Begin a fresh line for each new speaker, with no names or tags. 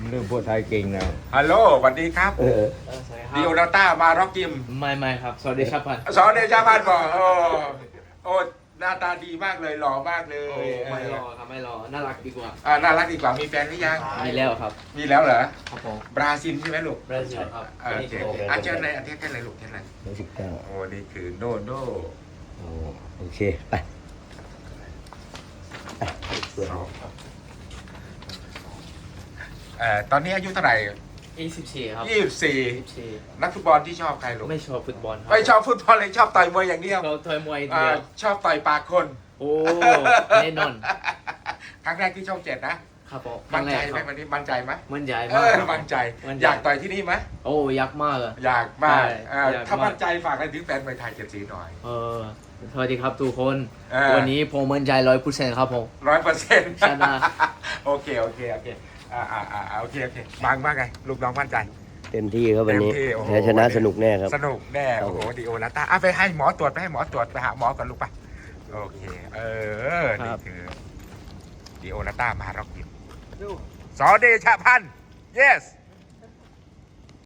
เรื่องพูดไทยเก่งนะ
ฮัลโหลสวัสดีครับดิโอนาต้ามาร็อกกิม
ไม่ครับสวัสดีครับพัน
สอนเดชาพันธ์บอกโอ้หน้าตาดีมากเลยหล่อมากเลย
ไม่รอครับไม่รอน่ารักดีกว่า
น่ารักดีกว่ามีแฟนหรือยัง
มีแล้วครับ
มีแล้วเหรอ
ครับผม
บราซิลใช่ไหมลูก
บราซิลครับ
โอเคเชิญในประเทศอะไรลูกเช่นอะไร
119
โอ้นี่คือโนโน่
โอเคไป
ตอนนี้อายุเท่าไหร่
24ครับ
24
24
นักฟุตบอลที่ชอบใครลูก
ไม่ชอบฟุตบอลครั
ไม่ชอบฟุตบอลเลยชอบต่อยมวยอย่างเดียว
เราถอยมวยเดียว
ชอบต่อยปากคน
โอ้แน่นอน
ครั้งแรกที่ช่อง 7นะครับ
ผม
มั่นใจ
ค
ไหม
รั้งแรก
วันนี้มั่นใจไหม
มั่นใจมากครับ
มั่นใจ
มั่นใจ
อยากต่อยที่นี่ไหม
โอ้ยักษ์มากอะ
อยากมาก
ใช่อยากมาก
ถ้ามั่นใจฝากอะไรถึงแฟนมวยไทย7 สีหน่อย
สวัสดีครับทุกคน
เออ
วันนี้ผมมั่นใจ100%ครับผม
100%
ชนะ
โอเคโอเคโอเคโอเคบางว่าไงลูกน้องมั่นใจ
เต็มที่ครับวันนี้
เต็มที่โอ้โห
แพ้ชนะสนุกแน่ครับ
สนุกแน่โอ้โหดิโอนาต้าไปให้หมอตรวจไปให้หมอตรวจไปหาหมอก่อนลูกไปโอเคนี่คือดิโอนาต้ามาร็อกกิมสอเดชะพันธ์ yes